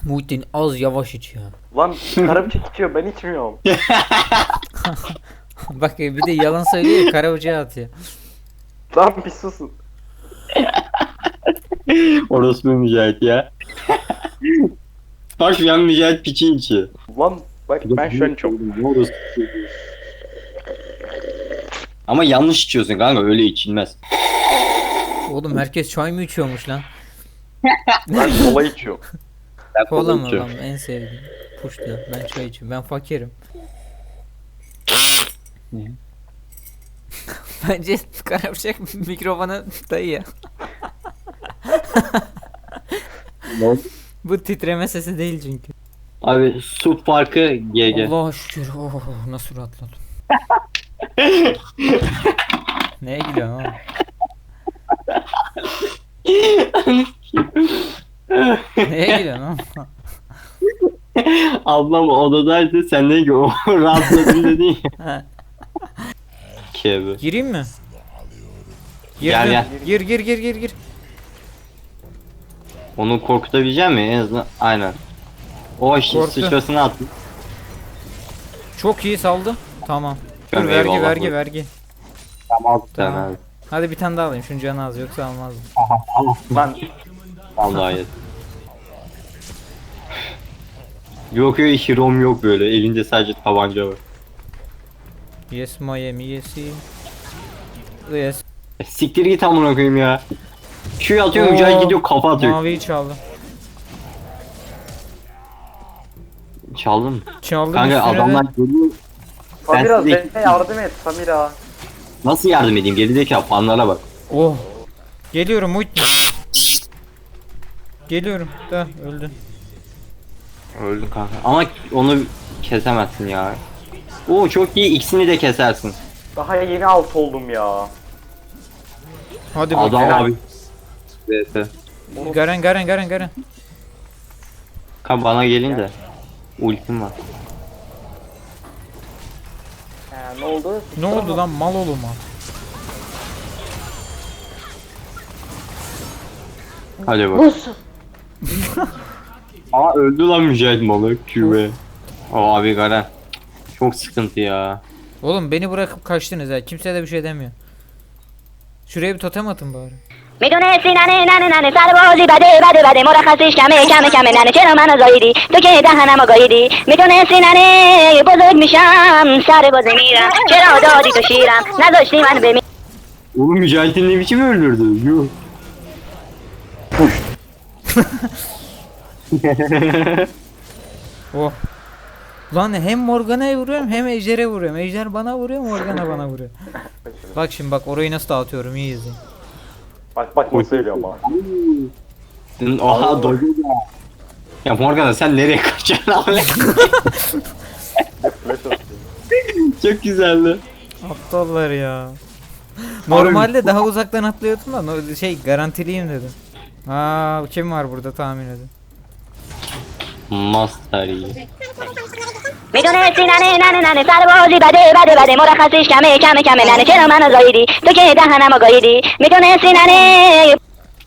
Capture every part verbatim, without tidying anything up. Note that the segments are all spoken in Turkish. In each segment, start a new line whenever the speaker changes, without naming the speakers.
Muhittin az yavaş iç ya.
Lan karabıçak içiyor, ben içmiyorum.
Bak bir de yalan söylüyor, karabucağı atıyor.
Lan bir susun.
Orospu Mücahit ya. Bak şu an Mücahit piçin içi.
Lan bak ben şu an çok.
Ama yanlış içiyorsun kanka, öyle içilmez.
Oğlum herkes çay mı içiyormuş lan?
Ben kola içiyorum.
Ben
Kola mı
içiyorum.
lan en sevdiğim. Puş diyor. Ben çay içiyorum. Ben fakirim.
Ne?
Bence karabıçak mikrofona dayıyor.
Ne oldu?
Bu titreme sesi değil çünkü.
Abi su farkı G G.
Allah'a şükür. Oh, nasıl rahatladım. Neye gülüyorsun oğlum? Neye gülüyorsun oğlum?
Ablam odadaydı, sen ne ki o rahatladın dedin ya.
Ha,
Kebe.
gireyim mi?
Gel,
Girdim.
gel.
Gir gir gir gir gir.
Onu korkutabilecek mi en azından? Aynen. O işi
Korktu.
sıçrasını attı.
Çok iyi saldı. Tamam. Dur
Tamam,
vergi
eyvallah.
vergi vergi.
Tamam
Tamam.
tamam. Abi.
Hadi bir tane daha alayım. Şunun canı az yoksa almazdım.
Lan
Vallahi evet. Yok yok, Hirom yok böyle. Elinde sadece tabanca var.
Yes Miami yes. Yes.
E, siktir git amına koyayım ya. Q atıyor,
Oo,
Mücahit gidiyor kafa atıyor.
Maviyi çaldı.
Çaldın mı?
Çaldı
Kanka
üstüne de-
adamlar geliyor.
Samira
size-
Zeynep'e yardım et Samira.
Nasıl yardım edeyim? Gerideki fanlara bak.
Oh. Geliyorum Muhittin. Geliyorum. Da öldü.
Öldün kanka. Ama onu kesemezsin ya. Oo çok iyi, ikisini de kesersin.
Daha yeni alt oldum ya.
Hadi
Adam
bakalım.
abi. Evet.
Garen Garen Garen Garen.
Kanka bana gelin de. Ultim var.
He, ne oldu?
Ne oldu lan mal oluma?
Hadi bak. Aa öldü lan Mücahit malı. Q B. O abi Garen. Çok sıkıntı ya.
Oğlum beni bırakıp kaçtınız ha. Kimse de bir şey demiyor. Şuraya bir totem atın bari.
میدونستی ننه ننه ننه سربازی بده بده بده مرخصیش کمه کمه کمه ننه چرا منو زاییدی تو که دهنمو گاییدی میدونستی ننه بزرگ میشم سربازی میرم چرا دادی تو شیرم نذاشتی من بمیرم
Oğlum Mücahit'in ne biçim öldürdü? Yuh.
Oh. Lan hem Morgana'ya vuruyorum hem Ejder'e vuruyorum. Ejder bana vuruyor, Morgana bana vuruyor. Bak şimdi bak orayı nasıl dağıtıyorum, iyi izleyin.
Bak bak nasıl söylüyor ama.
Oha doydu ya. Ya Morgana sen nereye kaçacaksın abi?
Flash atıyor.
Çok güzeldi.
Aptallar ya. Normalde daha uzaktan atlıyordum da no- şey garantiliyim dedim. Aa kim var burada tahmin edin.
Master iyi.
میدونستی ننه ننه ننه سربازی بده بده بده مرخصیش کمه کمه کمه ننه چرا منو زاییدی تو که دهنمو گاییدی میدونستی ننه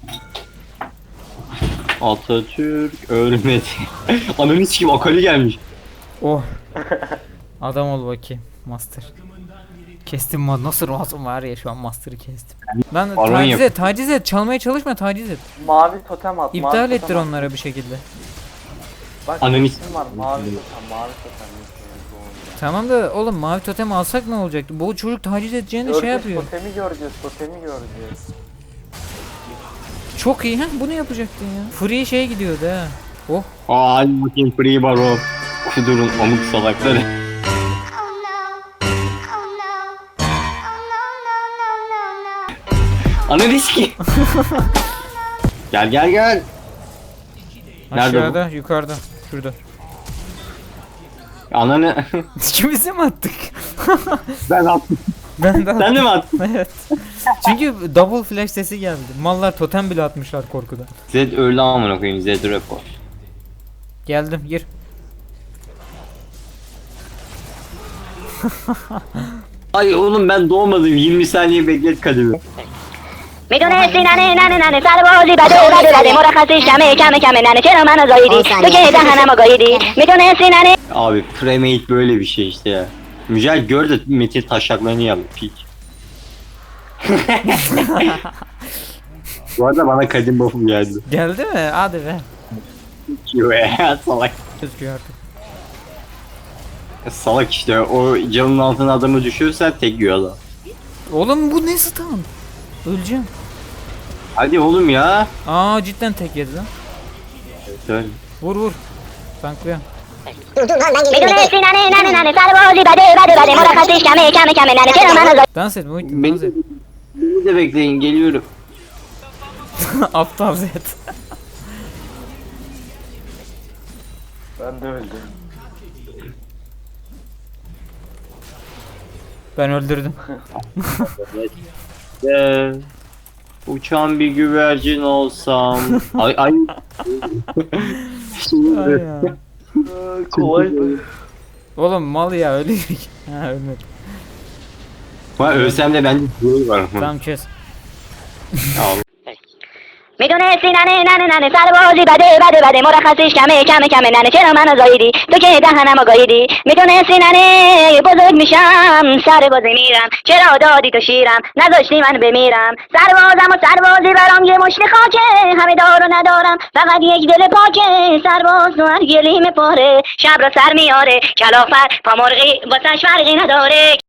Atatürk ölmedi. Ananı sikeyim, Akali gelmiş.
Oh. Adam ol bakayım master. Kestim ma nasıl rahatım var ya şu an master'ı kestim. Lan
Baron
taciz
yap-
et taciz et çalmaya çalışma taciz et.
Mavi totem at.
İptal
mavi
ettir
totem at.
onlara bir şekilde.
Bak
Ananı
isim var mavi totem mavi totem.
Tamam da oğlum mavi totem alsak ne olacaktı? Bu çocuk taciz edeceğini şey
Göreceğiz,
yapıyor.
totemi göreceğiz totemi göreceğiz.
Çok iyi ha bunu yapacaktın ya. Free şey gidiyordu ha. Oh.
Aa hadi bakayım Free Baron. Kudurun amık salakları.
Oh no. Oh no. Oh no, no, no, no, no.
Ananı sikeyim. Gel gel gel. Nerede
Aşağıda yukarıda. Şurada.
Ananı.
İkimizi mi attık?
Ben attım.
Ben de
Sen de mi attın?
Evet. Çünkü double flash sesi geldi. Mallar totem bile atmışlar korkudan.
Zed öldü amına koyayım, Zed report.
Geldim gir.
Ay oğlum ben doğmadım, yirmi saniye beklet kademi.
میدونستی ننه ننه ننه سربازی بده بده بده مرخصیش کمه کمه کمه ننه چرا منو زاییدی تو که دهنمو گاییدی میدونستی ننه
Abi premade böyle bir şey işte ya. Mücahit gör de Metin taşaklarını yap pik. Bu arada bana kadim buff'um geldi.
Geldi mi? Hadi be.
Yo ya salak.
Gözüküyor artık.
Salak işte o camın altına adamı düşürsen tek yiyor adam.
Oğlum bu ne stun? Öleceğim.
Hadi oğlum ya.
Aa cidden tek yedi lan.
Söyle.
Vur vur. Tanklıyorum.
میدونستی ننه ننه ننه سربازی بده بده بده مرخصیش کمه کمه کمه ننه چرا منو زاییدی
Dans et Muhittin
Beni,
dans et.
beni de bekleyin geliyorum.
Aptal Zed.
Ben de öldüm.
Ben öldürdüm.
Ee, uçan bir güvercin olsam. Ay ay. Şimdi-
Ay ya.
Kolaydı.
Oğlum mal ya ölüyor. Ha ölmedi.
Ha, ölsem de bende güvey var.
Tamam kes.
Tamam.
میدونستی ننه ننه ننه سربازی بده بده بده مرخصیش کمه کمه کمه ننه چرا منو زاییدی تو که دهنمو گاییدی میدونستی ننه بزرگ میشم سربازی میرم چرا دادی تو شیرم نذاشتی من بمیرم سربازم و سربازی برام یه مشت خاکه همه دارو ندارم فقط یک دل پاکه سرباز تو هر گلیم پاره شب را سر میاره کلافر پامرغی واسش فرقی نداره